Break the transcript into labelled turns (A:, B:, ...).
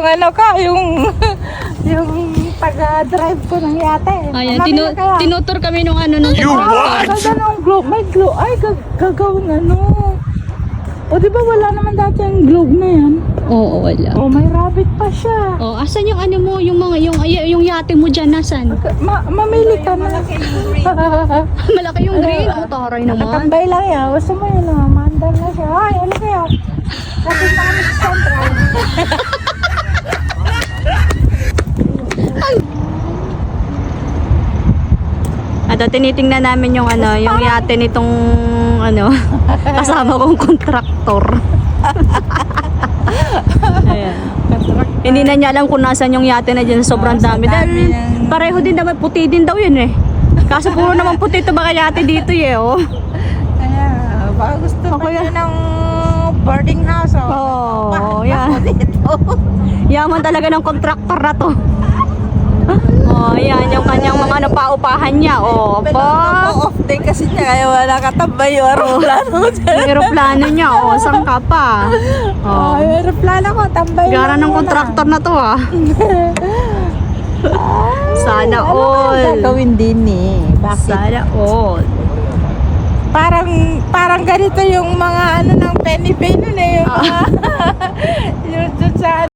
A: ano ka, yung yung taga-drive ko ng yate.
B: Ayan, tinutur kami nung ano nung
A: Ganda nung globe. May globe. Ay, gagawin ano. O di ba wala naman dati ang globe na yan?
B: Oo, wala.
A: O may rabbit pa siya.
B: Oh, asan yung ano mo, yung mga yung yate mo diyan nasan?
A: Mamili ka na.
B: Malaki yung green. Oh, taray naman.
A: Nakatambay lang yan. Gusto mo yun ah. Mandal na siya. Ay, ano kaya? Kasi na kami sa central.
B: At tinitingnan namin yung ano, yung yate nitong ano, kasama kong kontraktor. Ayan. Hindi na niya alam kung nasan yung yate na dyan, sobrang dami. Dahil pareho din naman, puti din daw yun eh. Kaso puro naman puti ito baka yate dito eh, oh.
A: Ayan. Baka gusto pa niya ng boarding house.
B: Oh, yan. Yaman talaga ng kontraktor na to. Oh, yan yung kanyang mga ano, paupahan niya. Oh, pa.
A: Off day kasi niya kaya wala katambay yung aeroplano.
B: Yung aeroplano niya, oh, saan ka pa? Oh.
A: Yung aeroplano ko, tambay
B: Gara
A: lang
B: ng
A: muna.
B: kontraktor na to ah. Sana all.
A: Gagawin din eh. Bakit?
B: Sana all.
A: Parang ganito yung mga ano ng penny nun eh. Yung mga, yung dun sa